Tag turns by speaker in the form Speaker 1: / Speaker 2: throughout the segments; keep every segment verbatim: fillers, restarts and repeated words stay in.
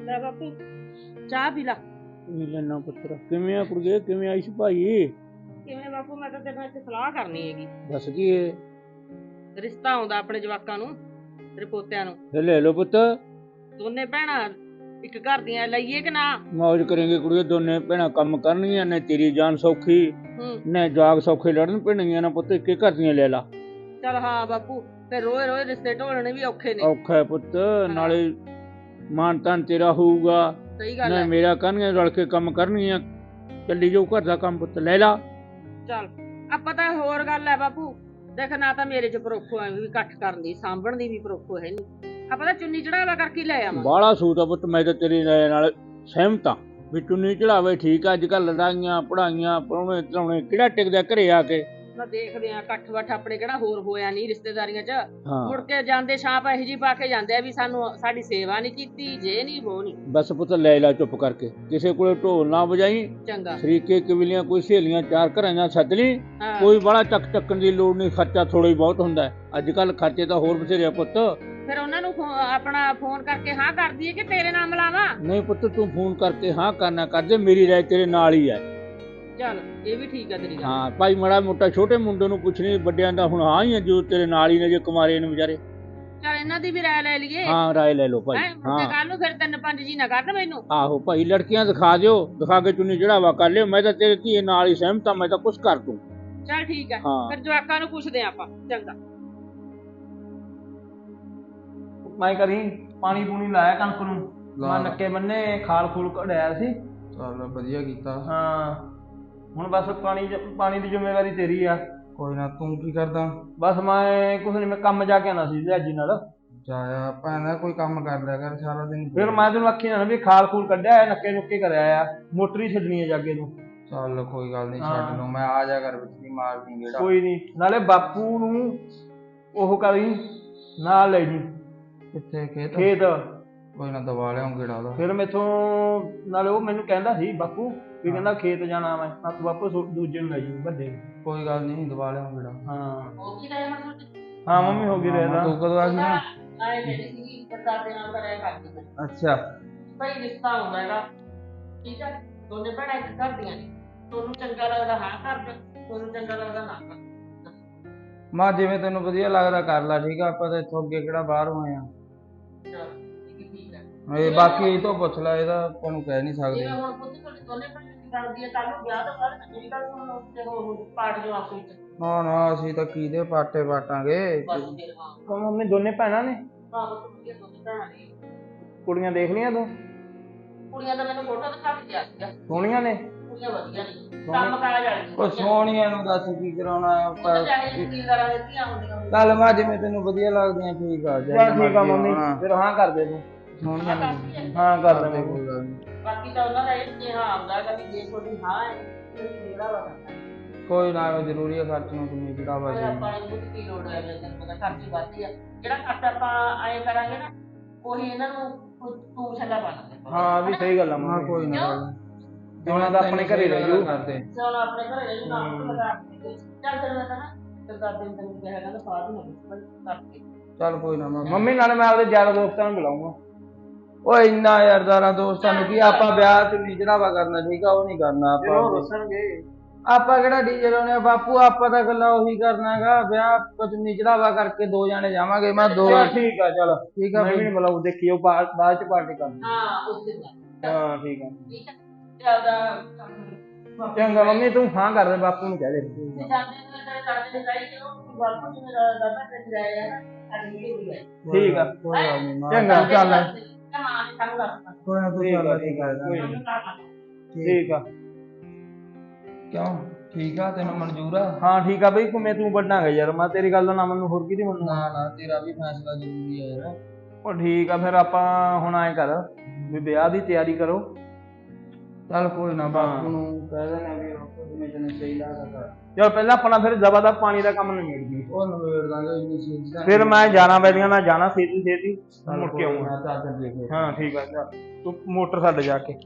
Speaker 1: ਲੈ ਬਾਪੂ ਚਾਹ ਪੀ ਲਾ।
Speaker 2: ਪੀ ਲੈਣਾ ਪੁੱਤਰ। ਕਿਵੇਂ ਆ ਕੁੜੀਏ, ਕਿਵੇਂ ਆਈ ਸੀ ਭਾਈ?
Speaker 1: ਕਿਵੇਂ ਬਾਪੂ, ਮੈਂ ਤਾਂ ਤੇਰੇ ਨਾਲ ਇੱਕ ਸਲਾਹ ਕਰਨੀ ਹੈਗੀ।
Speaker 2: ਦੱਸ ਕੀ ਏ?
Speaker 1: ਰਿਸ਼ਤਾ ਆਉਂਦਾ ਆਪਣੇ ਜਵਾਕਾਂ ਨੂੰ, ਤੇਰੇ ਪੋਤਿਆਂ ਨੂੰ।
Speaker 2: ਤੇ ਲੈ ਲਓ ਪੁੱਤ।
Speaker 1: ਦੋਨੇ ਭੈਣਾਂ ਇੱਕ ਘਰ ਦੀਆਂ, ਲਈਏ ਕਿ ਨਾ?
Speaker 2: ਮौज ਕरेंगे ਕੁੜੀਏ, ਦੋਨੇ ਭੈਣਾਂ ਕੰਮ ਕਰਨਗੀਆਂ ਨੇ, ਤੇਰੀ ਜਾਨ ਸੌਖੀ
Speaker 1: ਹੂੰ
Speaker 2: ਨੇ, ਜਾਗ ਸੌਖੇ ਲੜਨ ਪੈਣਗੀਆਂ ਨਾ ਪੁੱਤ, ਇੱਕੇ ਘਰ ਦੀਆਂ ਲੈ ਲਾ।
Speaker 1: ਚੱਲ ਹਾਂ ਬਾਪੂ, ਤੇ ਰੋਏ ਰੋਏ ਰਿਸ਼ਤੇ ਢੋਲਣੇ ਵੀ ਔਖੇ ਨੇ।
Speaker 2: ਔਖਾ ਹੈ ਪੁੱਤ, ਨਾਲੇ ਮਾਨ ਤਾਨ ਤੇਰਾ ਹੋਊਗਾ।
Speaker 1: ਸਹੀ ਗੱਲ
Speaker 2: ਨਾ
Speaker 1: ਹੈ।
Speaker 2: ਮੇਰਾ ਕਰਨਗੀਆਂ, ਰਲ ਕੇ ਕੰਮ ਕਰਨਗੀਆਂ, ਚੱਲੀ ਜਾਊ ਘਰ ਦਾ ਕੰਮ ਪੁੱਤ, ਲੈ ਲਾ।
Speaker 1: ਚੱਲ ਆਪਾਂ ਤਾਂ ਹੋਰ ਗੱਲ ਹੈ ਬਾਪੂ, ਦੇਖ ਨਾ ਤਾਂ ਮੇਰੇ ਚ ਪਰੋਖੋ ਐ ਵੀ ਇਕੱਠ ਕਰਨ ਦੀ, ਸਾਂਭਣ ਦੀ ਵੀ ਪਰੋਖੋ ਹੈ ਨਹੀਂ। ਆਪਾਂ ਤਾਂ ਚੁੰਨੀ ਚੜਾਵਾ ਕਰਕੇ ਲੈ ਆਵਾਂ।
Speaker 2: ਬਾਹਲਾ ਸੂਤ ਆ ਪੁੱਤ, ਮੈਂ ਤਾਂ ਤੇਰੀ ਰਾਏ ਨਾਲ ਸਹਿਮਤ ਆ ਵੀ ਚੁੰਨੀ ਚੜਾਵੇ ਠੀਕ ਆ। ਅੱਜ ਕੱਲ ਲੜਾਈਆਂ ਪੜਾਈਆਂ ਪਰਾਉਣੇ ਧਰਾਉਣੇ ਕਿਹੜਾ ਟਿਕਦਾ ਘਰੇ ਆ ਕੇ।
Speaker 1: ਨਾ ਦੇਖਦੇ ਆ ਇਕੱਠ ਵੱਠ ਆਪਣੇ ਕਿਹੜਾ ਹੋਰ ਹੋਇਆ ਨਹੀਂ ਰਿਸ਼ਤੇਦਾਰੀਆਂ ਚ।
Speaker 2: ਹਾਂ
Speaker 1: ਮੁੜ ਕੇ ਜਾਂਦੇ ਛਾਪ ਇਹੋ ਜਿਹੀ ਪਾ ਕੇ ਜਾਂਦੇ ਆ ਵੀ ਸਾਨੂੰ ਸਾਡੀ ਸੇਵਾ ਨਹੀਂ ਕੀਤੀ, ਜੇ ਨਹੀਂ ਵੋ ਨਹੀਂ।
Speaker 2: ਬਸ ਪੁੱਤ ਲੈ ਲਾ ਚੁੱਪ ਕਰਕੇ, ਕਿਸੇ ਕੋਲੇ ਢੋਲ ਨਾ ਵਜਾਈ।
Speaker 1: ਚੰਗਾ
Speaker 2: ਸ਼ਰੀਕੇ ਕਬੀਲੀਆਂ ਕੋਈ ਸਹੇਲੀਆਂ ਚਾਰ ਘਰਾਂ ਨਾਲ ਸੱਦ ਲਈ।
Speaker 1: ਹਾਂ।
Speaker 2: ਕੋਈ ਬੜਾ ਚੱਕ ਚੱਕਣ ਦੀ ਲੋੜ ਨਹੀਂ, ਖਰਚਾ ਥੋੜਾ ਹੀ ਬਹੁਤ ਹੁੰਦਾ। ਅੱਜ ਕੱਲ ਖਰਚੇ ਤਾਂ ਹੋਰ ਬਥੇਰੇ ਆ ਪੁੱਤ।
Speaker 1: ਫਿਰ ਉਹਨਾਂ ਨੂੰ ਫੋ- ਆਪਣਾ ਫੋਨ ਕਰਕੇ ਹਾਂ ਕਰ ਦਈਏ ਕਿ ਤੇਰੇ ਨਾਮ ਲਾਵਾਂ?
Speaker 2: ਨਹੀਂ ਪੁੱਤ, ਤੂੰ ਫੋਨ ਕਰਕੇ ਹਾਂ ਕਰਨਾ ਕਰਦੇ, ਮੇਰੀ ਰਾਏ ਤੇਰੇ ਨਾਲ ਹੀ ਹੈ।
Speaker 1: ਚੱਲ ਇਹ ਵੀ ਠੀਕ ਆ ਤੇਰੀ ਗੱਲ।
Speaker 2: ਹਾਂ ਭਾਈ, ਮਾੜਾ ਮੋਟਾ ਛੋਟੇ ਮੁੰਡੇ ਨੂੰ ਪੁੱਛਣੀ, ਵੱਡਿਆਂ ਦਾ ਹੁਣ ਹਾਂ ਹੀ ਹੈ ਜੋ ਤੇਰੇ ਨਾਲ ਹੀ ਨੇ, ਜੇ ਕੁਮਾਰੇ ਨੇ ਵਿਚਾਰੇ।
Speaker 1: ਚੱਲ ਇਹਨਾਂ ਦੀ ਵੀ ਰਾਏ ਲੈ ਲਈਏ।
Speaker 2: ਹਾਂ ਰਾਏ ਲੈ ਲਓ ਭਾਈ।
Speaker 1: ਹੈਂ, ਮੁੜ ਕੇ ਕੱਲ ਨੂੰ ਫਿਰ ਤਿੰਨ ਪੰਜ ਜੀ ਨਾ ਕਰਨ ਮੈਨੂੰ।
Speaker 2: ਆਹੋ ਭਾਈ, ਲੜਕੀਆਂ ਦਿਖਾ ਦਿਓ, ਦਿਖਾ ਕੇ ਚੁੰਨੀ ਚੜਾਵਾ ਕਰ ਲਿਓ। ਮੈਂ ਤਾਂ ਤੇਰੇ ਧੀਏ ਨਾਲ ਹੀ ਸਹਿਮਤ ਆ, ਮੈਂ ਤਾਂ ਕੁਛ ਕਰ ਦੂੰ।
Speaker 1: ਚੱਲ ਠੀਕ ਹੈ,
Speaker 2: ਹਾਂ।
Speaker 1: ਫਿਰ ਜਵਾਕਾਂ ਨੂੰ ਪੁੱਛਦੇ ਆਂ ਆਪਾਂ। ਚੰਗਾ
Speaker 3: ਮੈਂ ਕਰੀ ਪਾਣੀ ਪੂਣੀ ਲਾਇਆ ਕਣਕ ਨੂੰ, ਮੈਂ ਨੱਕੇ ਬੰਨੇ ਖਾਲ ਖੂਲ ਕਢਾਇਆ ਸੀ।
Speaker 4: ਚੱਲ ਵਧੀਆ ਕੀਤਾ।
Speaker 3: ਹਾਂ ਹੁਣ ਬਸ ਪਾਣੀ ਪਾਣੀ ਦੀ ਜ਼ਿੰਮੇਵਾਰੀ ਤੇਰੀ ਆ।
Speaker 4: ਕੋਈ ਨਾ, ਤੂੰ ਕੀ ਕਰਦਾ?
Speaker 3: ਬਸ ਮੈਂ ਕੁਛ ਨੀ, ਮੈਂ ਕੰਮ ਜਾ ਕੇ ਆਉਣਾ ਸੀ ਲਿਆਜੀ ਨਾਲ।
Speaker 4: ਜਾਇਆ ਭੈਣਾ, ਕੋਈ ਕੰਮ ਕਰ ਲਿਆ ਕਰ ਸਾਰਾ ਦਿਨ।
Speaker 3: ਫਿਰ ਮੈਂ ਤੈਨੂੰ ਆਖੀ ਨਾ ਵੀ ਖਾਲ ਖੂਲ ਕੱਢਿਆ, ਨੱਕੇ ਨੁੱਕੇ ਕਰਿਆ ਆ, ਮੋਟਰ ਹੀ ਛੱਡਣੀ ਹੈ ਜਾਗੇ ਨੂੰ।
Speaker 4: ਚੱਲ ਕੋਈ ਗੱਲ ਨਹੀਂ,
Speaker 3: ਹਾਂ।
Speaker 4: ਛੱਡ ਲਓ, ਮੈਂ ਆ ਜਾ ਕਰ ਵਿੱਚ ਦੀ ਮਾਰ ਦੀ ਗੇੜਾ।
Speaker 3: ਕੋਈ ਨਹੀਂ, ਨਾਲੇ ਬਾਪੂ ਨੂੰ ਉਹ ਕਰੀ ਨਾਲ ਲੈ ਜੀ
Speaker 4: ਕਿੱਥੇ ਖੇਤ?
Speaker 3: ਖੇਤ।
Speaker 4: ਕੋਈ ਨਾ, ਦਵਾ ਲਿਆਉਂ ਗੇੜਾ ਉਹਦਾ।
Speaker 3: ਫਿਰ ਮੈਥੋਂ ਨਾਲੇ ਉਹ ਮੈਨੂੰ ਕਹਿੰਦਾ ਸੀ ਬਾਪੂ ਵੀ ਕਹਿੰਦਾ ਖੇਤ ਜਾਣਾ ਮੈਂ, ਤਾਂ ਤੂੰ ਬਾਪੂ ਸੋ- ਦੂਜੇ ਨੂੰ ਲੈ ਜੀ ਵੱਡੇ ਨੂੰ।
Speaker 4: ਕੋਈ ਗੱਲ ਨਹੀਂ, ਦਵਾ ਲਿਆਉਂ ਗੇੜਾ।
Speaker 3: ਹਾਂ
Speaker 1: ਹੋ ਗਈ ਰਾਏ ਹੁਣ ਤੁਹਾਡੀ?
Speaker 3: ਹਾਂ ਮੰਮੀ ਹੋ ਗਈ
Speaker 4: ਹਾਂ,
Speaker 3: ਰਹਿਦਾ।
Speaker 4: ਤੂੰ ਕਦੋਂ ਆ ਗਈ ਨਾ?
Speaker 1: ਆਏ ਕਹਿੰਦੀ ਸੀਗੀ ਪਰਦਾਦੇ ਨਾਲ ਦਾ ਰਾਏ ਕਰਦੀ ਮੈਂ।
Speaker 4: ਅੱਛਾ
Speaker 1: ਭਾਈ ਰਿਸ਼ਤਾ ਆਉਂਦਾ ਹੈਗਾ, ਠੀਕ ਹੈ? ਦੋਨੇ ਭੈਣਾਂ ਇੱਕ ਘਰ ਦੀਆਂ ਨੇ, ਤੁਹਾਨੂੰ ਚੰਗਾ ਲੱਗਦਾ ਹਾਂ ਕਰ ਦੇ, ਤੁਹਾਨੂੰ ਚੰਗਾ ਲੱਗਦਾ ਨਾ ਕਰ।
Speaker 4: ਮਾਂ, ਜਿਵੇਂ ਤੈਨੂੰ ਵਧੀਆ ਲੱਗਦਾ ਕਰ ਲੈ, ਠੀਕ ਆ? ਆਪਾਂ ਤਾਂ ਇੱਥੋਂ ਅੱਗੇ ਕਿਹੜਾ ਬਾਹਰ ਹੋਏ ਆ।
Speaker 1: ਚਲ ਇਹ ਵੀ ਠੀਕ ਹੈ।
Speaker 4: ਇਹ ਬਾਕੀ ਇਹ ਤੋਂ ਪੁੱਛ ਲੈ, ਇਹਦਾ ਆਪਾਂ ਨੂੰ ਕਹਿ ਨਹੀਂ ਸਕਦੇ।
Speaker 1: ਜਿਵੇਂ ਹੁਣ ਪੁੱਤ ਤੁਹਾਡੇ ਦੋਨੇ ਭੈਣਾਂ ਦੀ ਬਣਦੀ ਹੈ, ਕੱਲ ਨੂੰ ਵਿਆਹ ਤੋਂ ਬਾਅਦ ਮੇਰੀ ਗੱਲ ਸੁਣੋ ਤੇ ਉਹ ਪਾਟ ਜੋ ਆਪਸ ਵਿੱਚ।
Speaker 4: ਨਾ ਨਾ, ਅਸੀਂ ਤਾਂ ਕਿਹਦੇ ਪਾਟੇ ਪਾਟਾਂਗੇ।
Speaker 1: ਬਸ ਫਿਰ ਹਾਂ।
Speaker 3: ਉਹ ਮੰਮੀ ਦੋਨੇ ਭੈਣਾਂ ਨੇ?
Speaker 1: ਹਾਂ ਬਸ ਵਧੀਆ ਦੋਨੇ ਭੈਣਾਂ ਨੇ।
Speaker 3: ਕੁੜੀਆਂ ਦੇਖ ਲਈਆਂ ਤੂੰ?
Speaker 1: ਕੁੜੀਆਂ ਦਾ ਮੈਨੂੰ ਫੋਟੋ ਦਿਖਾ ਕੇ ਗਿਆ ਸੀਗਾ,
Speaker 3: ਸੋਹਣੀਆਂ ਨੇ?
Speaker 1: ਕੁੜੀਆਂ ਵਧੀਆ ਨੇ, ਕੰਮ ਕਾਜ ਵਾਲੀਆਂ।
Speaker 4: ਉਹ ਸੋਹਣੀਆਂ ਨੂੰ ਦੱਸ ਕੀ ਕਰਾਉਣਾ ਆ?
Speaker 1: ਪਰ ਚਾਹੇ ਜ਼ਿੰਦਗੀਦਾਰਾਂ ਦੇ ਧੀਆਂ ਹੁੰਦੀਆਂ ਹੋਣ।
Speaker 4: ਚੱਲ ਮਾਂ, ਜਿਵੇਂ ਤੈਨੂੰ ਵਧੀਆ ਲੱਗਦੀਆਂ ਠੀਕ ਆ।
Speaker 3: ਚੱਲ ਠੀਕ ਆ ਮੰਮੀ, ਫਿਰ ਹਾਂ ਕਰ ਦੇ ਤੂੰ।
Speaker 4: ਸੋਹਣੀਆਂ ਨੂੰ
Speaker 3: ਹਾਂ ਕਰ ਦੇ
Speaker 4: ਕੋਈ
Speaker 3: ਮੰਮੀ।
Speaker 4: ਗੱਲ ਨੀ।
Speaker 1: ਬਾਕੀ ਤਾਂ ਉਹਨਾਂ ਦਾ ਇਹ ਸੁਨੇਹਾ ਆਉਂਦਾ ਹੈਗਾ ਵੀ ਜੇ ਤੁਹਾਡੀ ਹਾਂ ਹੈ ਤੇ ਜਿਹੜਾ ਵਾ ਕਰਨਾ।
Speaker 4: ਕੋਈ ਨਾ, ਉਹ ਜ਼ਰੂਰੀ ਆ ਖਰਚ ਨੂੰ ਕਿੰਨੀ ਜਿਹੜਾ ਵਾ
Speaker 1: ਪਰ
Speaker 4: ਜੀ।
Speaker 1: ਆਪਾਂ ਨੂੰ ਬਹੁਤ ਕੀ ਲੋੜ ਹੈ, ਤੈਨੂੰ ਪਤਾ ਖਰਚੀ ਵੱਧਦੀ ਆ। ਜਿਹੜਾ ਖਰਚ ਆਪਾਂ ਆਏ ਕਰਾਂਗੇ ਨਾ, ਉਹੀ ਇਹਨਾਂ ਨੂੰ ਤੂੰ ਛੱਲਾ ਪਾਣਾ।
Speaker 3: ਹਾਂ ਵੀ ਸਹੀ ਗੱਲ ਆ
Speaker 4: ਹਾਂ
Speaker 3: ਮੰਮੀ।
Speaker 4: ਕੋਈ ਨਾ
Speaker 1: ਕਿਉਂ?
Speaker 4: ਗੱਲ।
Speaker 3: ਹੁਣ ਤਾਂ ਆਪਣੇ ਘਰੇ ਰਹਿ ਜਾਊ।
Speaker 4: ਕਰਦੇ।
Speaker 1: ਚਲ ਆਪਣੇ ਘਰੇ ਰਹਿ ਜੂ, ਨਾਮ ਲਗਾ ਕੇ ਚੱਲ ਤੈਨੂੰ ਮੈਂ ਨਾ ਤੇ ਦਾਦੇ ਨੂੰ ਤੈਨੂੰ ਕਿਹਾ ਕਹਿੰਦਾ ਫਾਦ ਹੋ ਗਈ ਕਰਕੇ।
Speaker 4: ਚੱਲ ਕੋਈ ਨਾ ਮਾਂ।
Speaker 3: ਮੰਮੀ ਨਾਲੇ ਮੈਂ ਆਪਦੇ ਯਾਰ ਦੋਸਤਾਂ ਨੂੰ ਬੁਲਾਉਂਗਾ।
Speaker 4: ਓਏ ਇੰਨਾ ਯਾਰ ਦਾਰਾ ਦੋਸਤਾਂ ਨੂੰ ਕੀ, ਆਪਾਂ ਵਿਆਹ ਚ ਨਹੀਂ ਚੜਾਵਾ ਕਰਨਾ, ਠੀਕ ਆ? ਉਹ ਨਹੀਂ ਕਰਨਾ
Speaker 3: ਫਿਰ ਉਹ
Speaker 4: ਆਪਾਂ।
Speaker 3: ਦੱਸਣਗੇ।
Speaker 4: ਆਪਾਂ ਕਿਹੜਾ ਡੀਜੇ ਲਾਉਣੇ ਆ ਬਾਪੂ? ਆਪਾਂ ਤਾਂ ਗੱਲਾਂ ਉਹੀ ਕਰਨਾ ਹੈਗਾ, ਵਿਆਹ ਪਤਨੀ ਚੜਾਵਾ ਕਰਕੇ ਦੋ ਜਾਣੇ ਜਾਵਾਂਗੇ। ਮੈਂ ਦੋ
Speaker 3: ਚੱਲ ਠੀਕ ਆ, ਚੱਲ
Speaker 4: ਠੀਕ ਆ
Speaker 3: ਮੈਂ ਵੀ
Speaker 4: ਬਈ।
Speaker 3: ਨਹੀਂ ਬੁਲਾਉ, ਦੇਖੀਓ ਬਾਅਦ ਬਾਅਦ ਚ ਪਾਰਟੀ ਕਰਨੀ।
Speaker 1: ਹਾਂ ਉਸ ਦਿਨ ਦਾ
Speaker 3: ਹਾਂ ਠੀਕ ਆ।
Speaker 1: ਠੀਕ ਹੈ। ਚੱਲਦਾ
Speaker 3: ਚੰਗਾ ਮੰਮੀ, ਤੂੰ ਹਾਂ ਕਰ ਦੇ, ਬਾਪੂ ਨੂੰ ਕਹਿ ਦੇ।
Speaker 1: ਜਾਂਦੇ ਨੇ ਤੇਰੇ ਦਾਦੇ ਦੇ ਜਾਈ ਕਿ ਉਹ ਬਾਪੂ ਜੀ ਮੇਰਾ ਦਾਦਾ ਤੇ ਜਾਇਆ ਹੈ ਨਾ, ਅੱਜ ਵੀ ਹੋਈ ਹੈ।
Speaker 3: ਠੀਕ ਆ
Speaker 4: ਕੋਈ ਗੱਲ ਨੀ ਮਾਂ।
Speaker 3: ਚੰਗਾ ਚੱਲ।
Speaker 1: ਕਮਾਂ ਨੇ ਸਾਨੂੰ ਦੱਸਣਾ।
Speaker 4: ਕੋਈ ਨਾ, ਤੂੰ
Speaker 3: ਠੀਕ ਆ,
Speaker 4: ਚੱਲ
Speaker 3: ਠੀਕ ਆ, ਕੋਈ ਨੀ।
Speaker 4: ਠੀਕ
Speaker 3: ਠੀਕ ਆ।
Speaker 4: ਕਿਉਂ? ਠੀਕ ਆ, ਤੈਨੂੰ ਮਨਜ਼ੂਰ ਆ?
Speaker 3: ਹਾਂ ਠੀਕ ਆ ਬਈ, ਮੈਂ ਤੂੰ ਵੱਡਾ ਹੈ ਯਾਰ, ਮੈਂ ਤੇਰੀ ਗੱਲ ਦਾ ਨਾ ਮੈਨੂੰ ਹੋਰ ਕਿਹਦੀ ਮੰਨੂ।
Speaker 4: ਨਾ ਨਾ, ਤੇਰਾ ਵੀ ਫੈਸਲਾ ਜ਼ਰੂਰੀ ਹੈ ਯਾਰ।
Speaker 3: ਉਹ ਠੀਕ ਆ, ਫਿਰ ਆਪਾਂ ਹੁਣ ਐਂ ਕਰ ਵੀ ਵਿਆਹ ਦੀ ਤਿਆਰੀ ਕਰੋ।
Speaker 4: ਚੱਲ ਕੋਈ ਨਾ, ਬਾਪੂ ਨੂੰ ਕਹਿ ਦੇਣਾ ਵੀ ਉਹ ਜਿਵੇਂ ਤੈਨੂੰ ਸਹੀ ਲੱਗਦਾ।
Speaker 3: ਚਲ ਪਹਿਲਾਂ ਆਪਣਾ ਫਿਰ ਦਵਾ ਦਾ ਪਾਣੀ ਦਾ ਕੰਮ ਨਿਬੇੜ ਗਈ,
Speaker 4: ਉਹ ਨਵੇੜ ਦਾਂਗੇ ਇੰਨੀ ਚੀਜ਼ ਦਾ।
Speaker 3: ਫਿਰ ਮੈਂ ਜਾਣਾ ਬੈਲੀਆਂ ਮੈਂ ਜਾਣਾ ਛੇਤੀ ਛੇਤੀ ਮੁੜ ਕੇ ਆਉਂਗਾ।
Speaker 4: ਮੈਂ ਚਾਦਰ ਦੇ ਕੇ।
Speaker 3: ਹਾਂ ਠੀਕ ਆ, ਚੱਲ ਤੂੰ ਮੋਟਰ ਛੱਡ ਜਾ ਕੇ।